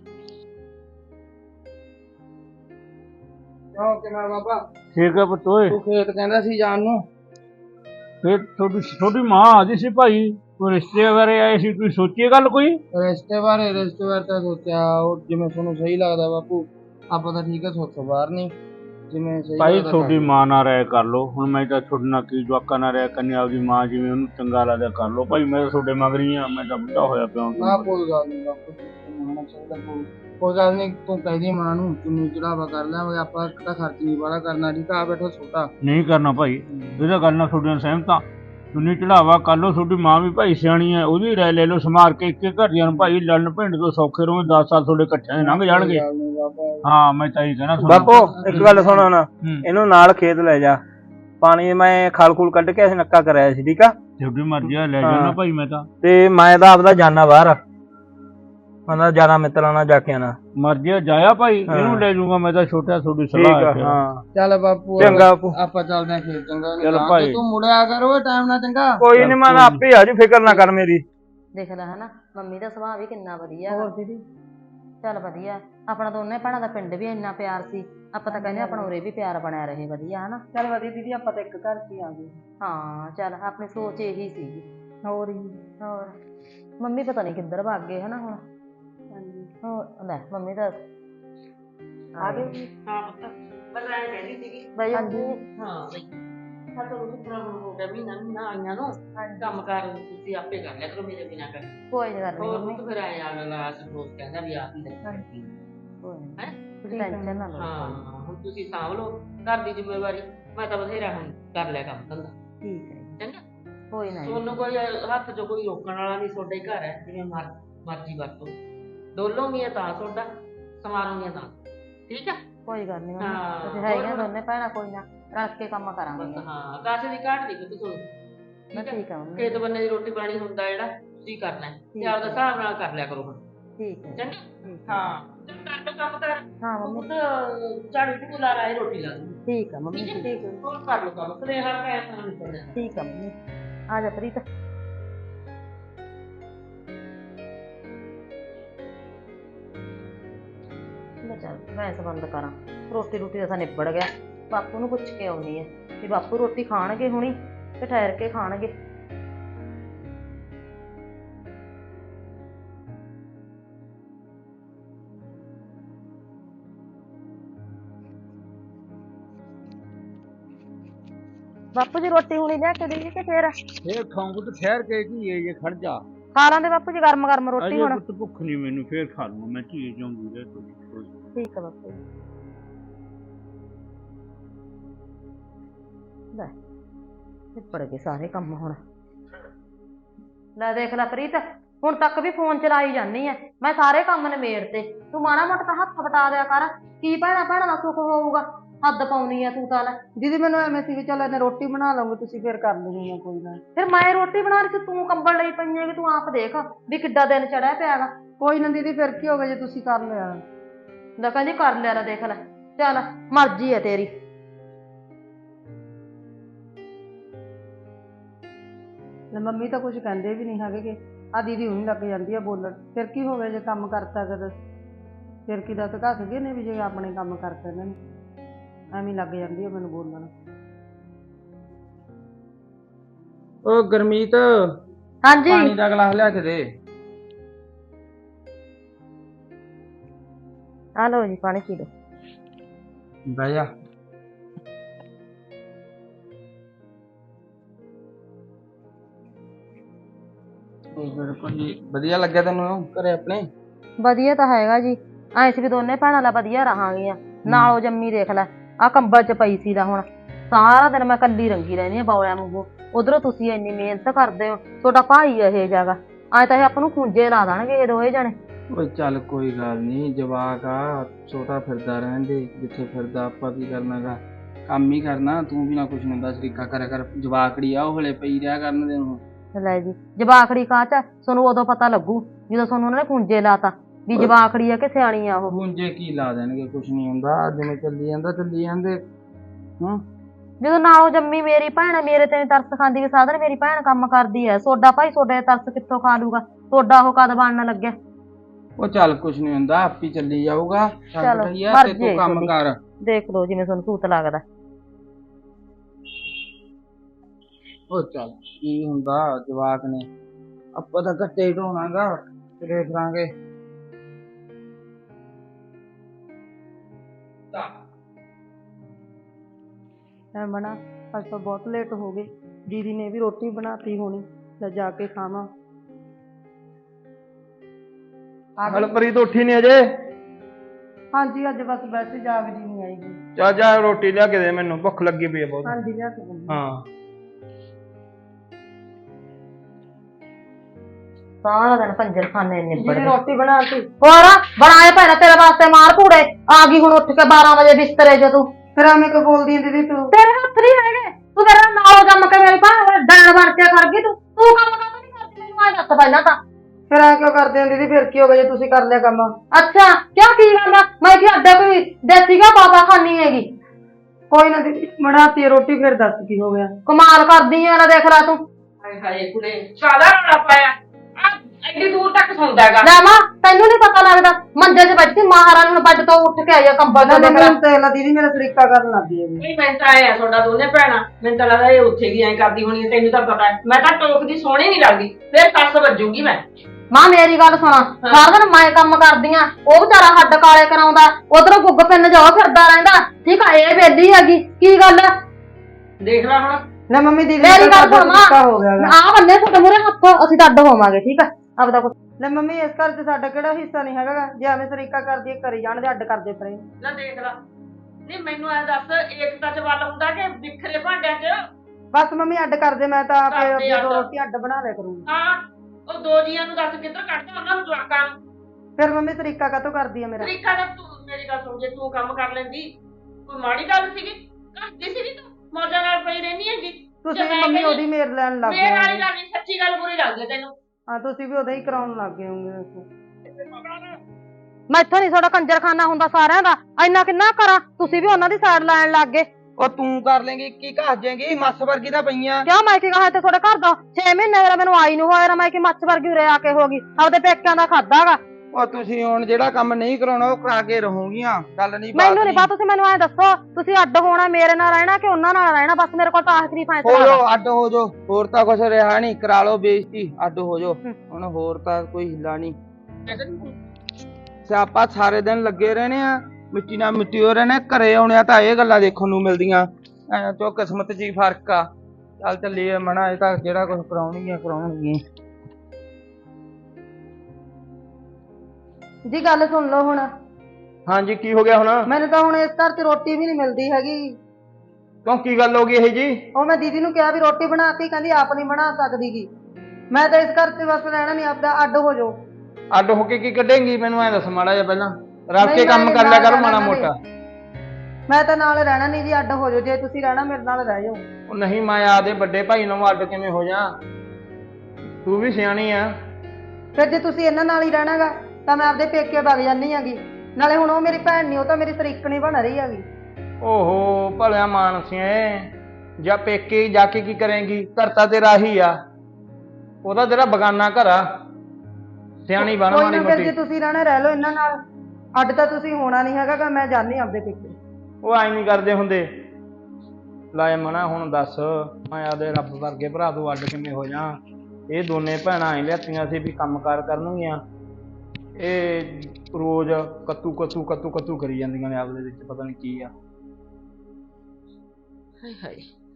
Speaker 4: ਕਿਉਂ ਕਿਵੇਂ ਬਾਬਾ?
Speaker 2: ਠੀਕ ਹੈ ਪੁੱਤ ਓਏ।
Speaker 4: ਤੂੰ ਖੇਤ ਕਹਿੰਦਾ ਸੀ ਜਾਣ ਨੂੰ।
Speaker 2: ਫਿਰ ਤੁਹਾਡੀ ਛੋਟੀ ਮਾਂ ਆ ਗਈ ਸੀ ਭਾਈ, ਕੋਈ ਰਿਸ਼ਤੇ ਬਾਰੇ ਆਏ ਸੀ, ਤੁਸੀਂ ਸੋਚੀਏ ਗੱਲ ਕੋਈ?
Speaker 4: ਰਿਸ਼ਤੇ ਬਾਰੇ ਰਿਸ਼ਤੇ ਬਾਰੇ ਤਾਂ ਸੋਚਿਆ ਉਹ ਜਿਵੇਂ ਤੁਹਾਨੂੰ ਸਹੀ ਲੱਗਦਾ ਬਾਪੂ। ਆਪਾਂ ਤਾਂ ਠੀਕ ਹੈ ਸੋਚੋ ਬਾਹਰ ਨਹੀਂ, ਜਿਵੇਂ ਸਹੀ
Speaker 2: ਭਾਈ
Speaker 4: ਲੱਗਦਾ
Speaker 2: ਤੁਹਾਡੀ
Speaker 4: ਕਰ ਲਓ।
Speaker 2: ਮਾਂ ਨਾਲ ਰਾਏ ਕਰ ਲਓ। ਹੁਣ ਮੈਂ ਤਾਂ ਤੁਹਾਡੇ ਨਾਲ ਕੀ ਜਵਾਕਾਂ ਨਾਲ ਰਾਏ ਕਰਨੀ, ਆਪਦੀ ਮਾਂ ਜਿਵੇਂ ਉਹਨੂੰ ਚੰਗਾ ਲੱਗਦਾ ਕਰ ਲਓ ਭਾਈ। ਮੈਂ ਤਾਂ ਤੁਹਾਡੇ ਮਗਰੀ ਆ, ਮੈਂ ਤਾਂ ਬੁੱਢਾ ਹੋਇਆ ਪਿਆ ਹੁਣ।
Speaker 4: ਨਾ ਕੋਈ ਗੱਲ ਨਹੀਂ ਬਾਪੂ, ਤੈਨੂੰ ਹੋਣਾ ਚਾਹੀਦਾ ਕੋਈ ਕੋਈ ਗੱਲ ਨਹੀਂ। ਤੂੰ ਕਹਿਦੀ ਮਾਂ ਨੂੰ ਚੁੰਨੀ ਚੜਾਵਾ ਕਰ ਲਿਆਵਾਂਗੇ ਆਪਾਂ, ਤਾਂ ਖਰਚ ਨਹੀਂ ਵਾਲਾ ਕਰਨਾ, ਠੀਕ ਆ? ਆ ਬੈਠੋ ਛੋਟਾ।
Speaker 2: ਨਹੀਂ ਕਰਨਾ ਭਾਈ, ਇਹਦਾ ਗੱਲ ਨਾਲ ਤੁਹਾਡੇ ਨਾਲ ਸਹਿਮਤ ਆ। ਚੁੰਨੀ ਚੜਾਵਾ ਕਰ ਲਓ, ਤੁਹਾਡੀ ਮਾਂ ਵੀ ਭਾਈ ਸਿਆਣੀ ਹੈ, ਉਹਦੀ ਰਾਏ ਲੈ ਲਓ ਸਮਾਰ ਕੇ। ਇੱਕ ਘਰ ਦੀਆਂ ਨੂੰ ਭਾਈ ਲੜਨ ਭਿੰਡ ਤੋਂ ਸੌਖੇ ਰਹੋ, ਦਸ ਸਾਲ ਤੁਹਾਡੇ ਇਕੱਠਿਆਂ ਦੇ ਲੰਘ ਜਾਣਗੇ।
Speaker 4: ਕੋਈ ਗੱਲ ਨੀ ਬਾਪੂ।
Speaker 2: ਹਾਂ ਮੈਂ ਤਾਂ ਇਹੀ ਕਹਿਣਾ
Speaker 3: ਬਾਪੂ ਇੱਕ ਗੱਲ ਸੁਣੋ ਨਾ,
Speaker 2: ਹੂੰ।
Speaker 3: ਇਹਨੂੰ ਨਾਲ ਖੇਤ ਲੈ ਜਾ। ਪਾਣੀ ਮੈਂ ਖਾਲ ਖੂਲ ਕੱਢ ਕੇ ਅਸੀਂ ਨੱਕਾ ਕਰਾਇਆ ਸੀ, ਠੀਕ ਆ?
Speaker 2: ਤੁਹਾਡੀ ਮਰਜ਼ੀ ਆ, ਲੈ ਜਾਣਾ ਭਾਈ। ਮੈਂ ਤਾਂ
Speaker 3: ਤੇ ਮੈਂ ਤਾਂ ਆਪਦਾ ਜਾਣਾ ਬਾਹਰ, ਮੈਂ ਜਾਣਾ ਮਿੱਤਰਾਂ ਨਾਲ ਜਾ ਕੇ ਆਣਾ।
Speaker 2: ਮਰਜ਼ੀ ਆ, ਜਾਇਆ ਭਾਈ, ਇਹਨੂੰ ਲੈ ਜਾਊਗਾ ਮੈਂ ਤਾਂ। ਛੋਟਾ ਤੁਹਾਡੀ
Speaker 3: ਠੀਕ
Speaker 2: ਸਲਾਹ
Speaker 3: ਆ,
Speaker 2: ਹੈ।
Speaker 3: ਹਾਂ
Speaker 4: ਚੱਲ ਬਾਪੂ
Speaker 3: ਚੰਗਾ ਬਾਪੂ।
Speaker 4: ਆਪਾਂ ਚੱਲਦੇ ਆਂ ਖੇਤ, ਚੰਗਾ?
Speaker 2: ਚੱਲ
Speaker 4: ਨਾ
Speaker 2: ਭਾਈ।
Speaker 4: ਤੇ ਤੂੰ ਮੁੜਿਆ ਕਰ ਓਏ ਟਾਈਮ ਨਾਲ, ਚੰਗਾ?
Speaker 3: ਕੋਈ ਨੀ, ਮੈਂ ਤਾਂ ਆਪੇ ਆ ਜੂ, ਫਿਕਰ ਨਾ ਕਰ ਮੇਰੀ।
Speaker 5: ਦੇਖ ਲੈ ਹਨਾ, ਮੰਮੀ ਦਾ ਸੁਭਾਅ ਵੀ ਕਿੰਨਾ ਵਧੀਆ
Speaker 1: ਹੋਰ
Speaker 5: ਗਾ।
Speaker 1: ਦੀਦੀ
Speaker 5: ਚੱਲ ਵਧੀਆ, ਆਪਣਾ ਦੋਨੇ ਭੈਣਾਂ ਦਾ ਪਿੰਡ ਵੀ ਇੰਨਾ ਪਿਆਰ ਸੀ। ਆਪਾਂ ਤਾਂ ਕਹਿੰਦੇ ਆਪਣਾ ਉਰੇ ਵੀ ਪਿਆਰ ਬਣਿਆ ਰਹੇ ਵਧੀਆ ਹਨਾ।
Speaker 1: ਚੱਲ ਵਧੀਆ ਦੀਦੀ, ਆਪਾਂ ਤਾਂ ਇੱਕ ਘਰ 'ਚ ਹੀ ਆ ਗਏ।
Speaker 5: ਹਾਂ ਚੱਲ, ਆਪਣੀ ਸੋਚ ਇਹੀ ਸੀਗੀ।
Speaker 1: ਹੋਰ ਹੀ
Speaker 5: ਹੋਰ ਮੰਮੀ ਪਤਾ ਨਹੀਂ ਕਿੱਧਰ ਭੱਗ ਗਏ ਹਨਾ ਹੁਣ।
Speaker 1: ਹਾਂਜੀ
Speaker 5: ਹੋਰ ਲੈ ਮੰਮੀ ਤਾਂ
Speaker 1: ਆ ਗਏ ਜੀ। ਹਾਂ ਪੁੱਤ, ਮੈਂ ਤਾਂ ਐਂ ਕਹਿੰਦੀ ਸੀਗੀ।
Speaker 5: ਬਈ
Speaker 1: ਹਾਂ ਬਈ ਸਾਡਾ ਤਾਂ ਪ੍ਰੋਬਲਮ ਹੋ ਗਿਆ, ਮਹੀਨਾ ਮਹੀਨਾ ਆਈਆਂ ਨੂੰ ਕੰਮ ਕਾਰ ਤੁਸੀਂ ਆਪੇ ਕਰ ਲਿਆ ਕਰੋ ਮੇਰੇ ਬਿਨਾਂ ਕਰ।
Speaker 5: ਕੋਈ ਗੱਲ ਨੀ
Speaker 1: ਹੋਰ
Speaker 5: ਮੰਮੀ,
Speaker 1: ਪੁੱਤ ਫਿਰ ਆਏ ਅਗਲਾ ਸਪੋਜ਼ ਕਹਿੰਦਾ ਵੀ ਆਪ ਹੀ ਲੈ
Speaker 5: ਕੋਈ ਨੀ।
Speaker 1: ਹੈਂ?
Speaker 5: ਤੁਸੀਂ ਟੈਨਸ਼ਨ ਨਾ ਲਓ।
Speaker 1: ਹਾਂ ਹੁਣ ਤੁਸੀਂ ਸਾਂਭ ਲਓ ਘਰ ਦੀ ਜ਼ਿੰਮੇਵਾਰੀ, ਮੈਂ ਤਾਂ ਬਥੇਰਾ ਹੁਣ ਕਰ ਲਿਆ ਕੰਮ ਧੰਦਾ।
Speaker 5: ਠੀਕ ਹੈ,
Speaker 1: ਚੰਗਾ,
Speaker 5: ਕੋਈ ਨਾ ਜੀ।
Speaker 1: ਤੁਹਾਨੂੰ ਕੋਈ ਹੱਥ 'ਚ ਕੋਈ ਰੋਕਣ ਵਾਲਾ ਨਹੀਂ, ਤੁਹਾਡਾ ਹੀ ਘਰ ਹੈ, ਜਿਵੇਂ ਮਰ ਮਰਜ਼ੀ ਵਰਤੋ। ਡੋਲੋਗੀਆਂ ਤਾਂ ਤੁਹਾਡਾ, ਸਮਾਰੋਗੀਆਂ ਤਾਂ, ਠੀਕ ਆ?
Speaker 5: ਕੋਈ ਗੱਲ ਨਹੀਂ
Speaker 1: ਹਾਂ,
Speaker 5: ਮੰਮੀ, ਤੁਸੀਂ
Speaker 1: ਹੋਰ
Speaker 5: ਹੈਗੀਆਂ
Speaker 1: ਹੁਣ?
Speaker 5: ਦੋਨੇ ਭੈਣਾਂ, ਕੋਈ ਨਾ ਰਲ ਕੇ ਕੰਮ ਕਰਾਂਗੇ।
Speaker 1: ਬਸ ਹਾਂ, ਕਾਸੇ ਦੀ ਘਾਟ ਨਹੀਂ ਪੁੱਤ ਤੁਹਾਨੂੰ,
Speaker 5: ਮੈਂ
Speaker 1: ਠੀਕ ਆ?
Speaker 5: ਠੀਕ ਆ ਮੰਮੀ,
Speaker 1: ਖੇਤ ਬੰਨੇ ਦੀ ਰੋਟੀ ਪਾਣੀ ਹੁੰਦਾ ਜਿਹੜਾ ਤੁਸੀਂ ਕਰਨਾ ਹੈ, ਤੇ
Speaker 5: ਠੀਕ
Speaker 1: ਆਪਦਾ
Speaker 5: ਹੈ।
Speaker 1: ਹਿਸਾਬ ਨਾਲ ਕਰ ਲਿਆ ਕਰੋ ਹੁਣ।
Speaker 5: ਠੀਕ ਹੈ
Speaker 1: ਚੰਗਾ?
Speaker 5: ਠੀਕ ਹੈ।
Speaker 1: ਹਾਂ ਤੂੰ ਕਰ ਲਓ ਕੰਮ ਕਰ,
Speaker 5: ਹਾਂ
Speaker 1: ਤੂੰ
Speaker 5: ਮੰਮੀ,
Speaker 1: ਪੁੱਤ ਝਾੜੂ ਝੂੜੂ ਲਾ ਲਾ, ਇਹ ਰੋਟੀ ਲਾ ਦੂੰ।
Speaker 5: ਠੀਕ ਆ ਮੰਮੀ,
Speaker 1: ਠੀਕ ਹੈ?
Speaker 5: ਠੀਕ ਹੈ,
Speaker 1: ਹੋਰ ਕਰ ਲਓ ਕੰਮ, ਸਨੇਹਾ ਪੈਸਾ ਨਹੀਂ ਨਿਕਲਦਾ।
Speaker 5: ਠੀਕ ਆ ਮੰਮੀ। ਆ ਜਾ ਪ੍ਰੀਤ। ਲੈ ਚੱਲ ਗੈਸ ਬੰਦ ਕਰਾਂ, ਰੋਟੀ ਰੋਟੀ ਦਾ ਤਾਂ ਨਿਬੜ ਗਿਆ। ਬਾਪੂ ਨੂੰ ਪੁੱਛ ਕੇ ਆਉਣੀ ਹੈ ਵੀ ਬਾਪੂ ਰੋਟੀ ਖਾਣਗੇ ਹੁਣੀ ਤੇ ਠਹਿਰ ਕੇ ਖਾਣਗੇ। ਬਾਪੂ ਜੀ ਰੋਟੀ ਹੁਣੀ ਲਿਆ ਕੇ ਦੇਈਏ ਕਿ ਫੇਰ
Speaker 2: ਫੇਰ ਖਾਉਂਗਾ ਤੇ ਠਹਿਰ ਕੇ ਕੀ ਇਹ ਜੇ ਖੜ ਜਾ।
Speaker 5: ਖਾ ਲਾਂਦੇ ਬਾਪੂ ਜੀ ਗਰਮ ਗਰਮ ਰੋਟੀ
Speaker 2: ਅਜੇ
Speaker 5: ਹੁਣ।
Speaker 2: ਪੁੱਤ ਭੁੱਖ ਨਹੀਂ ਮੈਨੂੰ, ਫੇਰ ਖਾ ਲੂੰਗਾ ਮੈਂ। ਧੀਏ ਜਾਊਂਗੀ ਰੇ ਥੋੜੀ।
Speaker 5: ਠੀਕ ਆ ਬਾਪੂ ਜੀ। ਲੈ ਨਿਬੜ ਗਏ ਸਾਰੇ ਕੰਮ ਹੁਣ। ਲੈ ਦੇਖ ਲੈ ਪ੍ਰੀਤ, ਹੁਣ ਤੱਕ ਵੀ ਫੋਨ ਚਲਾਈ ਜਾਂਦੀ ਐ। ਮੈਂ ਸਾਰੇ ਕੰਮ ਨਿਬੇੜਤੇ, ਤੂੰ ਮਾੜਾ ਮੋਟਾ ਤਾਂ ਹੱਥ ਵਟਾ ਦਿਆ ਕਰ। ਕੀ ਭੈਣਾ ਭੈਣਾ ਦਾ ਸੁੱਖ ਹੋਊਗਾ, ਹੱਦ ਪਾਉਣੀ ਆ ਤੂੰ ਤਾਂ। ਲੈ
Speaker 1: ਦੀਦੀ ਮੈਨੂੰ ਐਵੇਂ ਸੀ ਵੀ ਚਲ ਇਹਨੇ ਰੋਟੀ ਬਣਾ ਲਵਾਂਗੇ, ਤੁਸੀਂ ਫਿਰ ਕਰ ਲੂੰਗੀ ਕੋਈ ਨਾ।
Speaker 5: ਫਿਰ ਮੈਂ ਰੋਟੀ ਬਣਾ ਰਹੀ ਸੀ, ਤੂੰ ਕੰਬਲ ਲਈ ਪਈ ਹੈਗੀ। ਤੂੰ ਆਪ ਦੇਖ ਵੀ ਕਿੱਡਾ ਦਿਨ ਚੜਿਆ ਪਿਆ ਗਾ।
Speaker 1: ਕੋਈ ਨਾ ਦੀਦੀ, ਫਿਰ ਕੀ ਹੋ ਗਿਆ ਜੇ ਤੁਸੀਂ ਕਰ ਲਿਆ।
Speaker 5: ਲੈ ਕਹਿੰਦੀ ਕਰ ਲਿਆ, ਲੈ ਦੇਖ ਲੈ। ਚੱਲ ਮਰਜ਼ੀ ਐ ਤੇਰੀ।
Speaker 1: ਲੈ ਮੰਮੀ ਤਾਂ ਕੁਝ ਕਹਿੰਦੇ ਵੀ ਨਹੀਂ ਹੈਗੇ ਕਿ ਆ ਦੀਦੀ ਉਹੀ ਲੱਗ ਜਾਂਦੀ ਆ ਬੋਲਣ। ਫਿਰ ਕੀ ਹੋ ਗਿਆ ਜੇ ਕੰਮ ਕਰਤਾ ਕਰ, ਫਿਰ ਕੀ ਦੱਸ ਘਸ ਗਏ ਨੇ ਵੀ ਜੇ ਆਪਣੇ ਕੰਮ ਕਰਤੇ ਇਹਨਾਂ ਨੇ, ਐਵੇਂ ਲੱਗ ਜਾਂਦੀ ਆ ਮੈਨੂੰ ਬੋਲਣ।
Speaker 4: ਓ ਗੁਰਮੀਤ,
Speaker 5: ਹਾਂਜੀ
Speaker 4: ਪਾਣੀ ਦਾ ਗਲਾਸ ਲਿਆ ਕੇ ਦੇ।
Speaker 5: ਆ ਲਓ ਜੀ, ਪਾਣੀ ਪੀ ਲਓ।
Speaker 4: ਬਹਿ ਜਾ। ਹੋਰ ਕੋਈ ਵਧੀਆ ਲੱਗਿਆ ਤੈਨੂੰ ਘਰੇ ਆਪਣੇ?
Speaker 5: ਵਧੀਆ ਤਾਂ ਹੈਗਾ ਜੀ, ਐਂ ਸੀ ਵੀ ਦੋਨੇ ਭੈਣਾਂ ਨਾਲ ਵਧੀਆ ਰਹਾਂਗੀਆਂ। ਨਾਲੋਂ ਜੰਮੀ ਦੇਖ ਲੈ ਆ ਕੰਬਲ ਚ ਪਈ ਸੀ ਦਾ, ਹੁਣ ਸਾਰਾ ਦਿਨ ਮੈਂ ਕੱਲੀ ਰੰਗੀ ਰਹਿੰਦੀ ਆ ਬੌਲਿਆਂ ਵਾਂਗੂ। ਉਧਰੋਂ ਤੁਸੀਂ ਇੰਨੀ ਮਿਹਨਤ ਕਰਦੇ ਹੋ, ਤੁਹਾਡਾ ਭਾਈ ਇਹ ਜਗਾ ਐਂ ਤਾਂ ਇਹ ਆਪਾਂ ਨੂੰ ਖੂੰਜੇ ਲਾ ਦੇਣਗੇ ਇਹ ਦੋਏ ਜਣੇ।
Speaker 4: ਓਏ ਚੱਲ ਕੋਈ ਗੱਲ ਨਹੀਂ, ਜਵਾਕ ਆ, ਛੋਟਾ ਫਿਰਦਾ ਰਹਿੰਦੇ ਜਿੱਥੇ ਫਿਰਦਾ। ਆਪਾਂ ਕੀ ਕਰਨਾਗਾ, ਕੰਮ ਹੀ ਕਰਨਾ। ਤੂੰ ਵੀ ਨਾ ਕੁਛ ਹੁੰਦਾ ਸ਼ਰੀਕਾ ਕਰਿਆ ਕਰ। ਜਵਾਕੜੀ ਆ, ਉਹ ਹਲੇ ਪਈ ਰਿਹਾ ਕਰਨ ਦੇ ਨੂੰ।
Speaker 5: ਲੈ ਜੀ ਜਵਾਖੜੀ ਕਾਚ ਆ, ਤੁਹਾਨੂੰ ਉਦੋਂ ਪਤਾ ਲੱਗੂ ਜਦੋਂ ਤੁਹਾਨੂੰ ਉਹਨਾਂ ਨੇ ਖੂੰਜੇ ਲਾਤਾ ਵੀ ਜਵਾਖੜੀ ਆ ਕਿ ਸਿਆਣੀ ਆ ਉਹ।
Speaker 4: ਗੁੰਜੇ ਕੀ ਲਾ ਦੇਣਗੇ, ਕੁਛ ਨਹੀਂ ਹੁੰਦਾ। ਜਿਵੇਂ ਚੱਲੀ ਜਾਂਦਾ ਚੱਲੀ ਜਾਂਦੇ। ਹੂੰ,
Speaker 5: ਜਦੋਂ ਨਾਲੋਂ ਜੰਮੀ ਮੇਰੀ ਭੈਣ ਮੇਰੇ ਤੇ ਤਰਸ ਖਾਂਦੀ ਵੀ ਸਾਧਨ ਮੇਰੀ ਭੈਣ ਕੰਮ ਕਰਦੀ ਐ। ਸੋਡਾ ਭਾਈ ਸੋਡੇ ਤਰਸ ਕਿੱਥੋਂ ਖਾ ਲੂਗਾ, ਸੋਡਾ ਉਹ ਕਦ ਬਣਨ ਲੱਗਿਆ।
Speaker 4: ਉਹ ਚੱਲ ਕੁਛ ਨਹੀਂ ਹੁੰਦਾ, ਆਪੀ ਚੱਲੀ ਜਾਊਗਾ।
Speaker 5: ਚਲੋ,
Speaker 4: ਤੇ ਤੂੰ
Speaker 5: ਮਰਜ਼ੀ
Speaker 4: ਕੰਮ
Speaker 5: ਤੁਹਾਡੀ।
Speaker 4: ਕਰ।
Speaker 5: ਦੇਖ ਲਓ ਜਿਵੇਂ ਤੁਹਾਨੂੰ ਸੂਤ ਲੱਗਦਾ।
Speaker 4: ਉਹ ਚੱਲ ਕੀ ਹੁੰਦਾ, ਜਵਾਕ ਨੇ ਆਪਾਂ ਤਾਂ ਕੱਟੇ ਹੀ ਢੋਣਾਗਾ, ਦੇਖ ਲਾਂਗੇ।
Speaker 1: ਐ ਬਣਾ ਅੱਜ ਤਾਂ ਬਹੁਤ ਲੇਟ ਹੋ ਗਏ। ਦੀਦੀ ਨੇ ਵੀ ਰੋਟੀ ਬਣਾਤੀ ਹੋਣੀ, ਲੈ ਜਾ ਕੇ ਖਾਵਾਂ।
Speaker 3: ਹਲ ਪ੍ਰੀਤ ਉੱਠੀ ਨਹੀਂ ਅਜੇ?
Speaker 1: ਹਾਂਜੀ ਅੱਜ ਬਸ ਵੈਸੇ ਜਾਗਦੀ ਨਹੀਂ ਆਏਗੀ।
Speaker 3: ਚੱਲ ਜਾ ਰੋਟੀ ਲਿਆ ਕੇ ਦੇ, ਮੈਨੂੰ ਭੁੱਖ ਲੱਗੀ ਪਈ ਆ ਬਹੁਤ।
Speaker 1: ਹਾਂਜੀ ਲਿਆ ਕੇ ਦਿੰਦੀ।
Speaker 3: ਹਾਂ
Speaker 5: ਸਾਰਾ ਦਿਨ ਕੰਜਰ ਖਾਨੇ ਨਿਬੜ
Speaker 1: ਜਿਹਨੇ ਰੋਟੀ ਬਣਾਤੀ
Speaker 5: ਹੋਰ ਬਣਾਏ ਭੈਣਾ ਤੇਰੇ ਵਾਸਤੇ ਮਾਰ ਪੂੜੇ। ਆ ਗਈ ਹੁਣ ਉੱਠ ਕੇ ਬਾਰਾਂ ਵਜੇ ਬਿਸਤਰੇ 'ਚ ਤੂੰ।
Speaker 1: ਫਿਰ ਐਵੇਂ ਕਿਉਂ ਬੋਲਦੀ ਆਂ ਦੀਦੀ ਤੂੰ?
Speaker 5: ਤੇਰੇ ਹੱਥ ਨਹੀਂ ਹੈਗੇ, ਤੂੰ ਤੇਰਾ ਨਾਲ ਜੰਮ ਕੇ ਮੇਰੀ ਭਾਂ ਡੰਡ ਬਣ ਕੇ ਖੜ ਗਈ। ਤੂੰ ਤੂੰ ਕੰਮ ਕੰਮ ਨਹੀਂ ਕਰਦੀ, ਮੈਨੂੰ ਆਹ ਦੱਸ ਪਹਿਲਾਂ ਤਾਂ।
Speaker 1: ਫਿਰ ਐ ਕਿਉਂ ਕਰਦੇ ਆਂ ਦੀਦੀ? ਫਿਰ ਕੀ ਹੋ ਗਿਆ ਜੇ ਤੁਸੀਂ ਕਰ ਲਿਆ ਕੰਮ?
Speaker 5: ਅੱਛਾ ਕਿਉਂ ਕੀ ਗੱਲ ਆ? ਮੈਂ ਕੀ ਅੱਡਾ ਕੋਈ ਦੇਸੀ ਘਾ ਪਾਪਾ ਖਾਣੀ ਹੈਗੀ?
Speaker 1: ਕੋਈ ਨਾ ਦੀਦੀ ਬਣਾਤੀ ਰੋਟੀ, ਫਿਰ ਦੱਸ ਕੀ ਹੋ ਗਿਆ?
Speaker 5: ਕਮਾਲ ਕਰਦੀ ਆ ਨਾ, ਦੇਖ ਲੈ ਤੂੰ।
Speaker 6: ਹਾਏ ਹਾਏ ਕੁੜੇ ਕਾਹਦਾ ਰੌਲਾ ਪਾਇਆ? ਆ ਐਡੀ ਦੂਰ ਤੱਕ ਸੌਂਦਾ ਹੈਗਾ।
Speaker 5: ਲੈ ਮਾਂ ਤੈਨੂੰ ਨੀ ਪਤਾ ਲੱਗਦਾ, ਮੰਜੇ 'ਚ ਬੈਠੀ ਮਹਾਰਾਣੀ ਹੁਣ ਬੈੱਡ ਤੋਂ ਉੱਠ ਕੇ ਆਈ ਆ ਕੰਬਲ ਤੋਂ। ਦੇਖ ਲੈ
Speaker 1: ਤੇ ਲਾ ਦੀਦੀ ਮੇਰਾ ਤਰੀਕਾ ਕਰਨ ਲੱਗ ਗਈ ਹੈ।
Speaker 6: ਨਹੀਂ ਮੈਂ ਤਾਂ ਆਇਆ ਤੁਹਾਡਾ ਦੋਨੇ ਭੈਣਾਂ, ਮੈਨੂੰ ਤਾਂ ਲੱਗਦਾ ਇਹ ਉੱਥੇ ਵੀ ਐਂ ਕਰਦੀ ਹੋਣੀ ਹੈ, ਤੈਨੂੰ ਤਾਂ ਪਤਾ ਹੈ। ਮੈਂ ਤਾਂ ਟੋਕਦੀ ਸੋਹਣੀ ਨਹੀਂ ਲੱਗਦੀ, ਫਿਰ ਸੱਸ ਵੱਜੂਗੀ ਮੈਂ।
Speaker 5: ਮਾਂ ਮੇਰੀ ਗੱਲ ਸੁਣਾ, ਸਾਰਾ ਦਿਨ ਮੈਂ ਕੰਮ ਕਰਦੀ ਆ, ਉਹ ਵਿਚਾਰਾ ਹੱਡ ਕਾਲੇ ਕਰਾਉਂਦਾ, ਉਧਰੋਂ ਗੁੱਗ ਪਿੰਨ ਜਾਓ ਫਿਰਦਾ ਰਹਿੰਦਾ। ਠੀਕ ਆ ਇਹ ਵੇਲੀ ਹੈਗੀ, ਕੀ ਗੱਲ ਆ?
Speaker 6: ਦੇਖ ਲੈ ਹੁਣ
Speaker 1: ਨਾ ਮੰਮੀ ਦੀਦੀ
Speaker 5: ਮੇਰੀ ਗੱਲ ਸੁਣ ਮਾਂ,
Speaker 1: ਹੋ ਗਿਆ
Speaker 5: ਆ ਬੰਨੇ ਤੁਹਾਡੇ ਮੂਹਰੇ ਹੱਥ, ਅਸੀਂ ਤਾਂ ਅੱਡ ਹੋਵਾਂਗੇ। ਠੀਕ ਆ ਆਪਦਾ ਕੁਛ।
Speaker 1: ਲੈ ਮੰਮੀ ਇਸ ਘਰ 'ਚ ਸਾਡਾ ਕਿਹੜਾ ਹਿੱਸਾ ਨਹੀਂ ਹੈਗਾ ਗਾ। ਜੇ ਐਵੇਂ ਤਰੀਕਾ ਕਰਦੀ ਕਰੀ ਜਾਣ ਦੇ, ਅੱਡ ਕਰਦੇ ਪਰੇ।
Speaker 6: ਨਾ ਦੇਖ ਲੈ, ਨਹੀਂ ਮੈਨੂੰ ਐ ਦੱਸ, ਏਕਤਾ ਚ ਵੱਲ ਹੁੰਦਾ ਕਿ ਵਿਖਰੇ ਭਾਂਡਿਆਂ ਚ?
Speaker 1: ਬਸ ਮੰਮੀ ਅੱਡ ਕਰਦੇ, ਮੈਂ ਤਾਂ ਆਪੇ
Speaker 6: ਕਰਦੇ
Speaker 1: ਆਪਣੀ ਦੋ
Speaker 6: ਅੱਡ।
Speaker 1: ਰੋਟੀ ਅੱਡ ਬਣਾ ਲਿਆ ਕਰੂੰਗੀ।
Speaker 6: ਹਾਂ ਉਹ ਦੋ ਜੀਆਂ ਨੂੰ ਦੱਸ ਕਿੱਧਰ ਕੱਢਦਾ ਉਹਨਾਂ ਨੂੰ, ਜਵਾਕਾਂ ਨੂੰ।
Speaker 1: ਫਿਰ ਮੰਮੀ ਤਰੀਕਾ ਕਾਹਤੋਂ ਕਰਦੀ ਆ ਮੇਰਾ?
Speaker 6: ਤਰੀਕਾ ਤਾਂ ਤੂੰ ਮੇਰੀ ਗੱਲ ਸੁਣ, ਜੇ ਤੂੰ ਕੰਮ ਕਰ ਲੈਂਦੀ ਕੋਈ ਮਾੜੀ ਗੱਲ ਸੀਗੀ? ਕਰਦੀ ਸੀਗੀ ਤੂੰ, ਮੌਜਾਂ ਨਾਲ ਪਈ ਰਹਿੰਦੀ ਹੈਗੀ।
Speaker 1: ਤੁਸੀਂ ਮੰਮੀ ਉਹਦੀ ਮੇਰ ਲੈਣ ਲੱਗ
Speaker 6: ਮੇਰੇ ਵਾਲੀ
Speaker 1: ਗਏ।
Speaker 6: ਗੱਲ ਨਹੀਂ, ਸੱਚੀ ਗੱਲ ਬੁਰੀ ਲੱਗਦੀ ਹੈ ਤੈਨੂੰ।
Speaker 1: ਹਾਂ ਤੁਸੀਂ ਵੀ ਉਹਦਾ ਹੀ ਕਰਾਉਣ ਲੱਗ ਗਏ ਹੋਗੇ ਵੈਸੇ।
Speaker 5: ਮੈਥੋਂ ਨੀ ਤੁਹਾਡਾ ਕੰਜਰਖਾਨਾ ਹੁੰਦਾ ਸਾਰਿਆਂ ਦਾ, ਇੰਨਾ ਕਿੰਨਾ ਕਰਾਂ? ਤੁਸੀਂ ਵੀ ਉਹਨਾਂ ਦੀ ਸਾਈਡ ਲੈਣ ਲੱਗ ਗਏ।
Speaker 4: ਉਹ ਤੂੰ ਕਰ ਲੇਂਗੀ ਕੀ ਘਸ ਜਾਏਗੀ, ਮੱਸ ਵਰਗੀ ਤਾਂ ਪਈਆਂ।
Speaker 5: ਕਿਉਂ ਮੈਂ ਕੀ ਕਹਾ ਤੇ ਤੁਹਾਡੇ ਘਰ ਦਾ ਛੇ ਮਹੀਨੇ ਹੋਇਆ ਮੈਨੂੰ ਆਈ ਨੂੰ ਹੋਇਆ, ਮੈਂ ਕਿ ਮੱਛ ਵਰਗੀ ਉਰੇ ਆ ਕੇ ਹੋ ਗਈ, ਆਪਦੇ ਪੇਕਿਆਂ ਦਾ ਖਾਦਾਗਾ।
Speaker 4: ਉਹ ਤੁਸੀਂ ਹੁਣ ਜਿਹੜਾ ਕੰਮ ਨਹੀਂ ਕਰਾਉਣਾ ਉਹ ਕਰਾ ਕੇ ਰਹੋਗੀਆਂ, ਗੱਲ ਨਹੀਂ।
Speaker 5: ਮੈਨੂੰ ਨਹੀਂ ਪਤਾ, ਤੁਸੀਂ ਮੈਨੂੰ ਐ ਦੱਸੋ, ਤੁਸੀਂ ਅੱਡ ਹੋਣਾ ਮੇਰੇ ਨਾਲ ਰਹਿਣਾ ਕਿ ਉਹਨਾਂ ਨਾਲ ਰਹਿਣਾ? ਬਸ ਮੇਰੇ ਕੋਲ ਤਾਂ ਆਖਰੀ
Speaker 4: ਹੋ
Speaker 5: ਫੈਸਲਾ
Speaker 4: ਜਾਓ, ਅੱਡ ਹੋ ਜਾਓ, ਹੋਰ ਤਾਂ ਕੁਛ ਰਿਹਾ ਨਹੀਂ, ਕਰਾ ਲਓ ਬੇਇੱਜ਼ਤੀ, ਅੱਡ ਹੋ ਜਾਓ ਹੁਣ, ਹੋਰ ਤਾਂ ਕੋਈ ਹਿੱਲਾ ਨਹੀਂ। ਸਿਆਪਾ ਸਾਰੇ ਦਿਨ ਲੱਗੇ ਰਹਿਣੇ ਆ, ਮਿੱਟੀ ਨਾਲ ਮਿੱਟੀ ਹੋ ਰਹਿਣੇ, ਘਰੇ ਆਉਣਿਆ ਤਾਂ ਇਹ ਗੱਲਾਂ ਦੇਖਣ ਨੂੰ ਮਿਲਦੀਆਂ। ਐ ਤੋਂ ਕਿਸਮਤ 'ਚ ਹੀ ਫਰਕ ਆ। ਚੱਲ ਚੱਲੀਏ ਮਣਾ, ਇਹ ਤਾਂ ਜਿਹੜਾ ਕੁਛ ਕਰਾਉਣਗੀਆਂ ਕਰਾਉਣਗੀਆਂ।
Speaker 1: ਜੀ ਗੱਲ ਸੁਣ ਲਓ ਹੁਣ।
Speaker 3: ਹਾਂਜੀ ਕੀ ਹੋ ਗਿਆ ਹੁਣ?
Speaker 1: ਮੈਨੂੰ ਤਾਂ ਹੁਣ ਇਸ ਘਰ 'ਚ ਰੋਟੀ ਵੀ ਨਹੀਂ ਮਿਲਦੀ ਹੈਗੀ।
Speaker 3: ਕਿਉਂ ਕੀ ਗੱਲ ਹੋ ਗਈ ਇਹ ਜੀ?
Speaker 1: ਉਹ ਮੈਂ ਦੀਦੀ ਨੂੰ ਕਿਹਾ ਵੀ ਰੋਟੀ ਬਣਾਤੀ, ਕਹਿੰਦੀ ਆਪ ਨਹੀਂ ਬਣਾ ਸਕਦੀ ਗੀ। ਮੈਂ ਤਾਂ ਇਸ ਘਰ 'ਚ ਬਸ ਰਹਿਣਾ ਨਹੀਂ, ਆਪਦਾ ਅੱਡ ਹੋ ਜਾਓ।
Speaker 3: ਅੱਡ ਹੋ ਕੇ ਕੀ ਕੱਢੇਂਗੀ? ਮੈਨੂੰ ਐ ਦੱਸ ਮਾੜਾ ਜਿਹਾ ਪਹਿਲਾਂ, ਰਲ ਕੇ
Speaker 1: ਨਹੀਂ,
Speaker 3: ਕੰਮ
Speaker 1: ਮੈਂ
Speaker 3: ਕਰ ਲਿਆ ਕਰ
Speaker 1: ਨਾਲ
Speaker 3: ਮਾੜਾ
Speaker 1: ਰਹਿਣਾ
Speaker 3: ਮੋਟਾ।
Speaker 1: ਮੈਂ ਤਾਂ ਨਾਲ ਰਹਿਣਾ ਨਹੀਂ ਜੀ, ਅੱਡ ਹੋ ਜਾਓ। ਜੇ ਤੁਸੀਂ ਰਹਿਣਾ ਮੇਰੇ ਨਾਲ ਰਹਿ ਜਾਓ।
Speaker 3: ਉਹ ਨਹੀਂ, ਮੈਂ ਆਦੇ ਵੱਡੇ ਭਾਈ ਨੂੰ ਅੱਡ ਕਿਵੇਂ ਹੋ ਜਾ? ਤੂੰ ਵੀ ਸਿਆਣੀ ਆ।
Speaker 1: ਫਿਰ ਜੇ ਤੁਸੀਂ ਇਹਨਾਂ ਨਾਲ ਹੀ ਰਹਿਣਾਗਾ ਤਾਂ ਮੈਂ ਆਪਦੇ ਪੇਕੇ ਵਗ ਜਾਂਦੀ ਹੈਗੀ। ਨਾਲੇ ਹੁਣ ਉਹ ਮੇਰੀ ਭੈਣ ਨਹੀਂ, ਉਹ ਤਾਂ ਮੇਰੀ ਸਰੀਕਣੀ ਬਣ ਰਹੀ ਹੈਗੀ।
Speaker 3: ਓਹੋ ਭਲਿਆ ਮਾਨਸੀਏ, ਜਾਂ ਪੇਕੇ ਜਾ ਕੇ ਕੀ ਕਰੇਂਗੀ? ਘਰ ਤਾਂ ਤੇਰਾ ਹੀ ਆ, ਉਹਦਾ ਤੇਰਾ ਬਗਾਨਾ ਘਰ ਆ। ਸਿਆਣੀ ਬਣ
Speaker 1: ਕੋਈ
Speaker 3: ਮਾੜੀ
Speaker 1: ਨਾ, ਫਿਰ ਜੇ
Speaker 3: ਮੋਟੀ।
Speaker 1: ਤੁਸੀਂ ਰਹਿਣਾ ਰਹਿ ਲਓ ਇਹਨਾਂ ਨਾਲ, ਅੱਡ ਤਾਂ ਤੁਸੀਂ ਹੋਣਾ ਨਹੀਂ ਹੈਗਾ ਗਾ। ਮੈਂ ਜਾਂਦੀ ਆਪਦੇ ਪੇਕੇ।
Speaker 3: ਉਹ ਐਂ ਨਹੀਂ ਕਰਦੇ ਹੁੰਦੇ। ਲਾਏ ਮਨਾ ਹੁਣ ਦੱਸ, ਮੈਂ ਆਦੇ ਰੱਬ ਵਰਗੇ ਭਰਾ ਤੋਂ ਅੱਡ ਕਿਵੇਂ ਹੋ ਜਾ? ਇਹ ਦੋਨੇ ਭੈਣਾਂ ਐ ਲਿਆਤੀਆਂ ਸੀ ਵੀ ਕੰਮ ਕਾਰ ਕਰਨਗੀਆਂ, ਇਹ ਰੋਜ਼ ਕੱਤੂ ਕੱਤੂ ਕੱਤੂ ਕੱਤੂ ਕਰੀ ਜਾਂਦੀਆਂ ਨੇ ਆਪਦੇ ਵਿੱਚ, ਪਤਾ ਨਹੀਂ ਕੀ ਆ।
Speaker 6: ਹਾਏ ਹਾਏ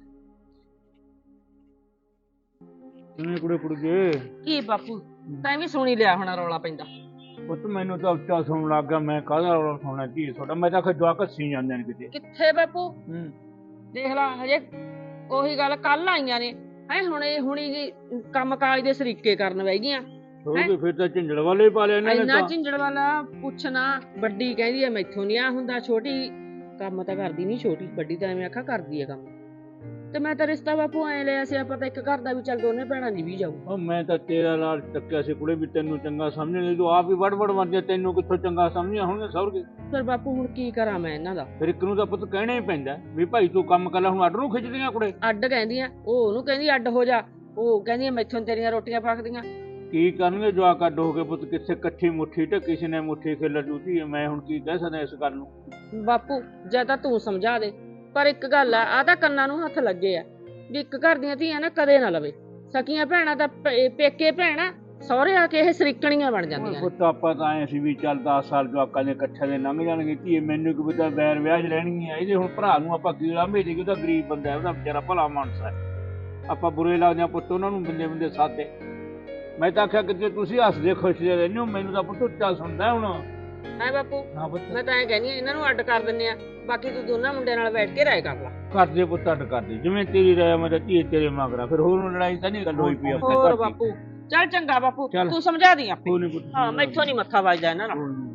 Speaker 2: ਕਿਵੇਂ ਕੁੜੇ ਕੁੜੀਏ?
Speaker 6: ਕੀ ਬਾਪੂ ਤੈਂ ਵੀ ਸੁਣੀ ਲਿਆ ਹੋਣਾ ਰੌਲਾ ਪੈਂਦਾ?
Speaker 2: ਪੁੱਤ ਮੈਨੂੰ ਤਾਂ ਉੱਚਾ ਸੁਣਨ ਲੱਗ ਗਿਆ, ਮੈਂ ਕਾਹਦਾ ਰੌਲਾ ਸੁਣਨਾ ਕੀ ਤੁਹਾਡਾ? ਮੈਂ ਤਾਂ ਆਖਿਆ ਜਵਾਕ ਹੱਸੀ ਜਾਂਦੇ ਨੇ ਕਿਤੇ।
Speaker 6: ਕਿੱਥੇ ਬਾਪੂ,
Speaker 2: ਹੂੰ
Speaker 6: ਦੇਖ ਲਾ ਹਜੇ ਉਹੀ ਗੱਲ ਕੱਲ ਆਈਆਂ ਨੇ ਹੈ, ਹੁਣ ਇਹ ਹੁਣੀ ਜੀ ਕੰਮ ਕਾਜ ਦੇ ਸਰੀਕੇ ਕਰਨ ਬਹਿ ਗਈਆਂ।
Speaker 2: ਹੋ ਗਏ ਫਿਰ ਤਾਂ ਝਿੰਜੜ ਵਾਲੇ ਪਾ ਲਿਆ ਇਹਨਾਂ ਨੇ
Speaker 6: ਇੰਨਾ
Speaker 2: ਤਾਂ।
Speaker 6: ਝਿੰਜੜ ਵਾਲਾ ਪੁੱਛਣਾ। ਵੱਡੀ ਕਹਿੰਦੀ ਐ ਮੈਥੋਂ ਨੀ ਆ ਹੁੰਦਾ, ਛੋਟੀ ਕੰਮ ਤਾਂ ਕਰਦੀ ਨੀ, ਛੋਟੀ ਵੱਡੀ ਤਾਂ ਐਵੇਂ ਆਖਾ ਕਰਦੀ ਐ ਕੰਮ। ਤੇ ਮੈਂ ਤਾਂ ਰਿਸ਼ਤਾ ਬਾਪੂ ਐ ਲਿਆ ਸੀ ਆਪਾਂ ਤਾਂ ਇੱਕ ਘਰ ਦਾ ਵੀ, ਚੱਲ ਦੋਨੇ ਭੈਣਾਂ ਦੀ ਵੀ ਜਾਊ।
Speaker 2: ਉਹ ਮੈਂ ਤਾਂ ਤੇਰਾ ਨਾਲ ਟੱਕਿਆ ਸੀ ਕੁੜੇ ਵੀ ਤੈਨੂੰ ਚੰਗਾ ਸਮਝ ਨਹੀਂ, ਤੂੰ ਆਪ ਹੀ ਵੜ ਵੜ ਮਰਦੀ, ਤੈਨੂੰ ਕਿੱਥੋਂ ਚੰਗਾ ਸਮਝਿਆ ਹੁਣ ਸਹੁਰ ਕੇ।
Speaker 6: ਫਿਰ ਬਾਪੂ ਹੁਣ ਕੀ ਕਰਾਂ ਮੈਂ ਇਹਨਾਂ ਦਾ?
Speaker 2: ਫਿਰ ਇੱਕ ਨੂੰ ਤਾਂ ਪੁੱਤ ਕਹਿਣਾ ਹੀ ਪੈਂਦਾ ਵੀ ਭਾਈ ਤੂੰ ਕੰਮ ਕਰ ਲੈ। ਹੁਣ ਅੱਡ ਨੂੰ ਖਿੱਚਦੀਆਂ ਕੁੜੇ।
Speaker 6: ਅੱਡ ਕਹਿੰਦੀਆਂ, ਉਹ ਉਹਨੂੰ ਕਹਿੰਦੀ ਅੱਡ ਹੋ ਜਾ, ਉਹ ਕਹਿੰਦੀ ਮੈਥੋਂ ਤੇਰੀਆਂ ਰੋਟੀਆਂ ਪੱਕਦੀਆਂ।
Speaker 2: ਕੀ ਕਰਨਗੇ ਜਵਾਕ ਅੱਡ ਹੋ ਕੇ ਪੁੱਤ? ਕਿਸੇ ਇਕੱਠੀ ਮੁੱਠੀ ਤੇ ਕਿਸੇ ਨੇ ਮੁੱਠੀ ਖੇਲ ਜੂਤੀ। ਮੈਂ ਹੁਣ ਕੀ ਕਹਿ ਸਕਦਾ ਇਸ ਗੱਲ ਨੂੰ?
Speaker 6: ਬਾਪੂ ਜਾਂ ਤਾਂ ਤੂੰ ਸਮਝਾ ਦੇ, ਪਰ ਇੱਕ ਗੱਲ ਆ, ਆ ਤਾਂ ਕੰਨਾਂ ਨੂੰ ਹੱਥ ਲੱਗੇ ਆ ਵੀ ਇੱਕ ਘਰ ਦੀਆਂ ਧੀਆਂ ਨਾ ਕਦੇ ਨਾ ਲਵੇ। ਸਕੀਆਂ ਭੈਣਾਂ ਤਾਂ ਪ- ਪੇਕੇ ਭੈਣਾਂ ਸਹੁਰੇ ਆ ਕੇ ਇਹ ਸਰੀਕਣੀਆਂ ਬਣ ਜਾਂਦੀਆਂ ਨੇ।
Speaker 2: ਪੁੱਤ ਆਪਾਂ ਤਾਂ ਐ ਸੀ ਵੀ ਚੱਲ ਦਸ ਸਾਲ ਜਵਾਕਾਂ ਦੇ ਇਕੱਠੇ ਦੇ ਲੰਘ ਜਾਣਗੇ ਧੀਏ, ਮੈਨੂੰ ਕੀ ਪਤਾ ਬੈਰ ਵਿਆਹ 'ਚ ਰਹਿਣਗੀਆਂ। ਇਹਦੇ ਹੁਣ ਭਰਾ ਨੂੰ ਆਪਾਂ ਕੀ ਲਾਂਭੇ ਦੇ, ਉਹਦਾ ਗਰੀਬ ਬੰਦਾ ਹੈ, ਉਹਦਾ ਵਿਚਾਰਾ ਭਲਾ ਮਾਨਸ ਹੈ। ਆਪਾਂ ਬੁਰੇ ਲੱਗਦੇ ਆ ਪੁੱਤ ਉਹਨਾਂ ਨੂੰ ਬੰਦੇ ਬੰਦੇ ਸਾਦੇ। ਮੈਂ ਤਾਂ ਆਖਿਆ ਕਿਤੇ ਤੁਸੀਂ ਹੱਸਦੇ ਖੁਸ਼ਦੇ ਰਹਿੰਦੇ ਹੋ, ਮੈਨੂੰ ਤਾਂ ਪੁੱਤ ਉੱਚਾ ਸੁਣਦਾ ਹੁਣ।
Speaker 6: ਹੈ ਬਾਪੂ,
Speaker 2: ਹਾਂ ਪੁੱਤ
Speaker 6: ਮੈਂ ਤਾਂ ਐ ਕਹਿੰਦੀ ਆ ਇਹਨਾਂ ਨੂੰ ਅੱਡ ਕਰ ਦਿੰਨੇ ਆ, ਬਾਕੀ ਤੂੰ ਦੋਨਾਂ ਮੁੰਡਿਆਂ ਨਾਲ ਬੈਠ ਕੇ ਰਾਏ ਕਰ ਲਾ।
Speaker 2: ਕਰਦੇ ਪੁੱਤ ਅੱਡ ਕਰਦੇ, ਜਿਵੇਂ ਤੇਰੀ ਰਾਇ ਮੈਂ ਤਾਂ ਧੀਏ ਤੇਰੇ ਮਗਰਾ, ਫਿਰ ਹੋਰ ਲੜਾਈ ਤਾਂ ਨਹੀਂ ਗੱਲ ਹੋਈ ਪਈ ਆਪਣੇ
Speaker 6: ਹੋਰ
Speaker 2: ਘਰ ਦੀ।
Speaker 6: ਬਾਪੂ ਚੱਲ ਚੰਗਾ ਬਾਪੂ,
Speaker 2: ਚੱਲ।
Speaker 6: ਤੂੰ ਸਮਝਾ ਦੀ ਆਪੇ।
Speaker 2: ਕੋਈ ਨੀ ਪੁੱਤ
Speaker 6: ਹਾਂ ਮੈਥੋਂ ਨਹੀਂ ਮੱਥਾ ਵੱਜਦਾ ਇਹਨਾਂ ਨਾਲ।
Speaker 2: ਕੋਈ ਨੀ।